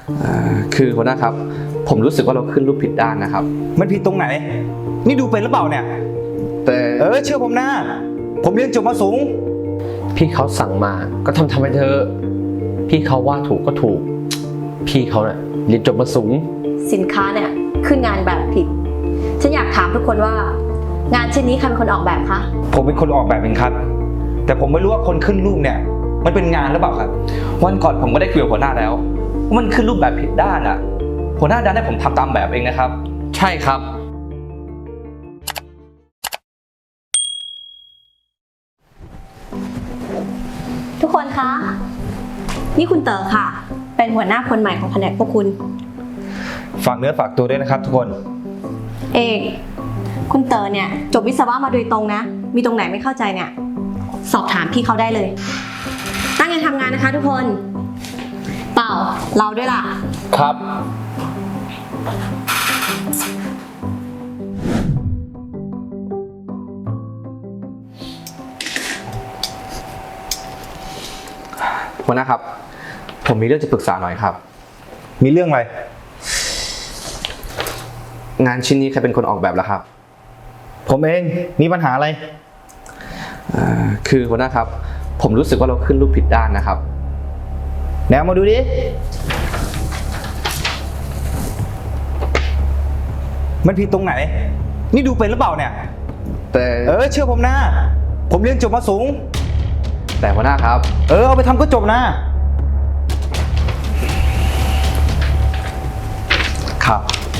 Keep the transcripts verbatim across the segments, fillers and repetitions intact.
คือหัวหน้าครับผมรู้สึกว่าเราขึ้นรูปผิดด้านนะครับมันผิดตรงไหนนี่ดูเป็นหรือเปล่าเนี่ยแต่เออเชื่อผมนะผมเรียนจบมาสูงพี่เขาสั่งมาก็ทำทำไปเถอะพี่เขาว่าถูกก็ถูกพี่เขาเนี่ยเรียนจบมาสูงสินค้าเนี่ยขึ้นงานแบบผิดฉันอยากถามทุกคนว่างานชิ้นนี้ใครเป็นคนออกแบบคะผมเป็นคนออกแบบเองครับแต่ผมไม่รู้ว่าคนขึ้นรูปเนี่ยมันเป็นงานหรือเปล่าครับวันก่อนผมก็ได้คุยกับหัวหน้าแล้วว่ามันขึ้นรูปแบบผิดด้านอ่ะหัวหน้าดันให้ผมทำตามแบบเองนะครับใช่ครับทุกคนคะนี่คุณเต๋อค่ะเป็นหัวหน้าคนใหม่ของแผนกพวกคุณฝากเนื้อฝากตัวด้วยนะครับทุกคนเอกคุณเต๋อเนี่ยจบวิศวะมาโดยตรงนะมีตรงไหนไม่เข้าใจเนี่ยสอบถามพี่เขาได้เลยตั้งใจทำงานนะคะทุกคนเปล่าเราด้วยล่ะครับหัวหน้าครับผมมีเรื่องจะปรึกษาหน่อยครับมีเรื่องอะไรงานชิ้นนี้ใครเป็นคนออกแบบล่ะครับผมเองมีปัญหาอะไรคือหัวหน้าครับผมรู้สึกว่าเราขึ้นรูปผิดด้านนะครับแนวมาดูดิมันผิดตรงไหนนี่ดูเป็นหรือเปล่าเนี่ยแต่เออเชื่อผมนะผมเรียนจบมาสูงแต่หัวหน้าครับเออเอาไปทำก็จบนะครับ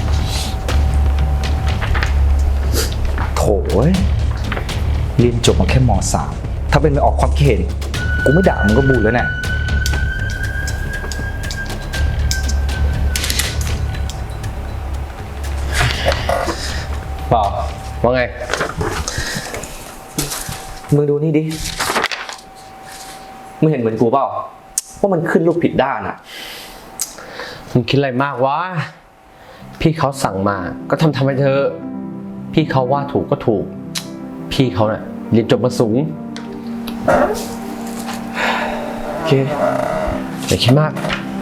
โถ่เรียนจบมาแค่ม.สาม ถ้าเป็นไปออกความคิดเห็นกูไม่ด่ามึงก็บูดแล้วเนี่ยเปล่าว่าไงมึงดูนี่ดิมึงเห็นเหมือนกูเปล่าว่ามันขึ้นรูปผิดด้านอะมึงคิดอะไรมากวะพี่เขาสั่งมาก็ทำทำไปเถอะพี่เขาว่าถูกก็ถูกพี่เขาเนี่ยเรียนจบมาสูงโอเคอย่าคิดมาก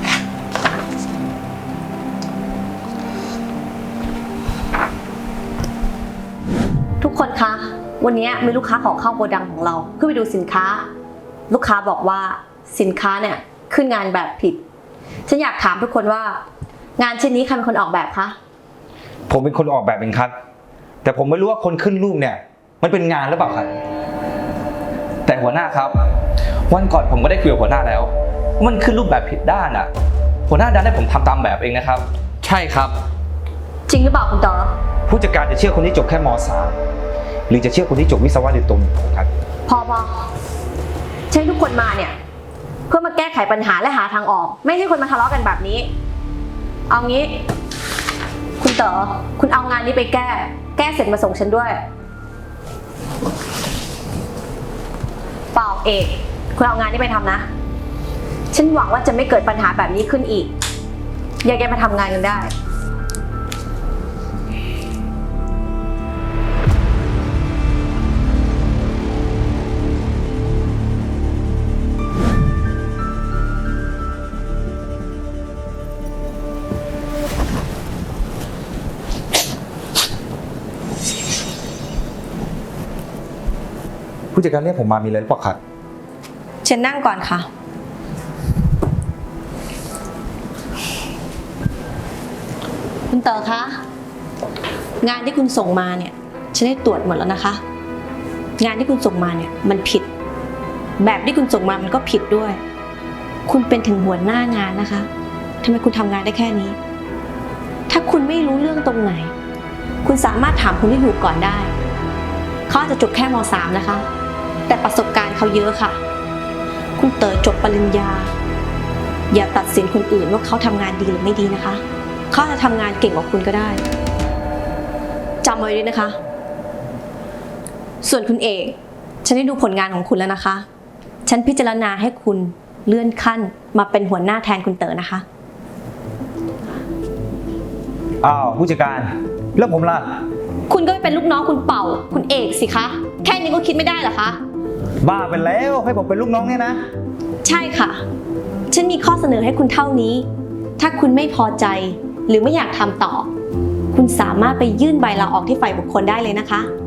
ทุกคนคะวันนี้มีลูกค้าขอเข้าโกดังของเราเพื่อไปดูสินค้าลูกค้าบอกว่าสินค้าเนี่ยขึ้นงานแบบผิดฉันอยากถามทุกคนว่างานชิ้นนี้ใครเป็นคนออกแบบคะผมเป็นคนออกแบบเองครับแต่ผมไม่รู้ว่าคนขึ้นรูปเนี่ยมันเป็นงานหรือเปล่าครับแต่หัวหน้าครับวันก่อนผมก็ได้คุยกับหัวหน้าแล้วว่ามันขึ้นรูปแบบผิดด้านอ่ะหัวหน้าดันให้ผมทำตามแบบเองนะครับใช่ครับจริงหรือเปล่าคุณเต๋อผู้จัดการจะเชื่อคนที่จบแค่ม.สาม หรือจะเชื่อคนที่จบวิศวะโดยตรงครับพอพอใช้ทุกคนมาเนี่ยเพื่อมาแก้ไขปัญหาและหาทางออกไม่ให้คนมาทะเลาะกันแบบนี้เอางี้คุณเต๋อคุณเอางานนี้ไปแก้แก้เสร็จมาส่งฉันด้วยเปล่าเอกคุณเอางานนี้ไปทำนะฉันหวังว่าจะไม่เกิดปัญหาแบบนี้ขึ้นอีกแยกๆมาทำงานกันได้ผู้จัดการเรียกผมมามีอะไรหรือเปล่าครับเชิญนั่งก่อนค่ะคุณเต๋อคะงานที่คุณส่งมาเนี่ยฉันได้ตรวจหมดแล้วนะคะงานที่คุณส่งมาเนี่ยมันผิดแบบที่คุณส่งมามันก็ผิดด้วยคุณเป็นถึงหัวหน้างานนะคะทำไมคุณทำงานได้แค่นี้ถ้าคุณไม่รู้เรื่องตรงไหนคุณสามารถถามคนที่อยู่ก่อนได้เขาอาจจะจบแค่ม.สาม นะคะแต่ประสบการณ์เขาเยอะค่ะคุณเต๋อจบปริญญาอย่าตัดสินคนอื่นว่าเขาทำงานดีหรือไม่ดีนะคะเขาจะทำงานเก่งกว่าคุณก็ได้จำไว้ด้วยนะคะส่วนคุณเอกฉันได้ดูผลงานของคุณแล้วนะคะฉันพิจารณาให้คุณเลื่อนขั้นมาเป็นหัวหน้าแทนคุณเต๋อนะคะอ้าวผู้จัดการแล้วผมล่ะคุณก็ไปเป็นลูกน้องคุณเป่าคุณเอกสิคะแค่นี้ก็คิดไม่ได้เหรอคะบ้าไปแล้วให้ผมเป็นลูกน้องเนี่ยนะใช่ค่ะฉันมีข้อเสนอให้คุณเท่านี้ถ้าคุณไม่พอใจหรือไม่อยากทำต่อ คุณสามารถไปยื่นใบลาออกที่ฝ่ายบุคคลได้เลยนะคะ